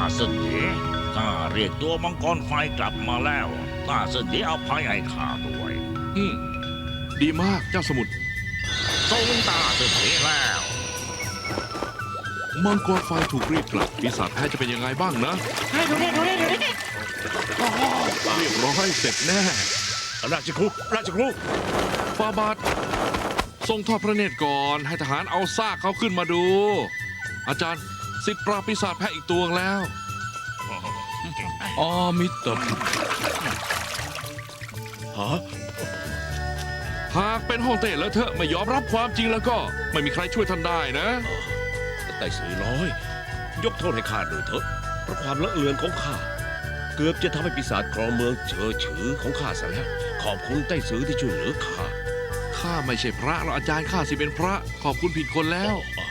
เสถียข้าเรียกตัวมังกรไฟกลับมาแล้วข้าเสถียอภัยให้ข้าด้วยอืมดีมากเจ้าสมุทรทรงตาเสถียแล้วมังกรไฟถูกรีดกลับปีศาจแพ้จะเป็นยังไงบ้างนะให้ดูนี่เรียบร้อยเสร็จแน่ราชครูราชครูฟาบาททรงทอดพระเนตรก่อนให้ทหารเอาซากเขาขึ้นมาดู อาจารย์สิทธิ์ปราบปีศาจแพ้อีกตัวแล้วอามิตรฮะหากเป็นฮ่องเต้แล้วเธอะไม่ยอมรับความจริงแล้วก็ไม่มีใครช่วยท่านได้นะไต่สือน้อย ยกโทษให้ข้าด้วยเถอะเพราะความเลอะเลือนของข้าเกือบจะทำให้ปีศาจครองเมืองเจอฉือของข้าซะแล้ว ขอบคุณไต้สือที่ช่วยเหลือข้าข้าไม่ใช่พระหรอกอาจารย์ข้าสิเป็นพระ ขอบคุณผิดคนแล้วอ๋อ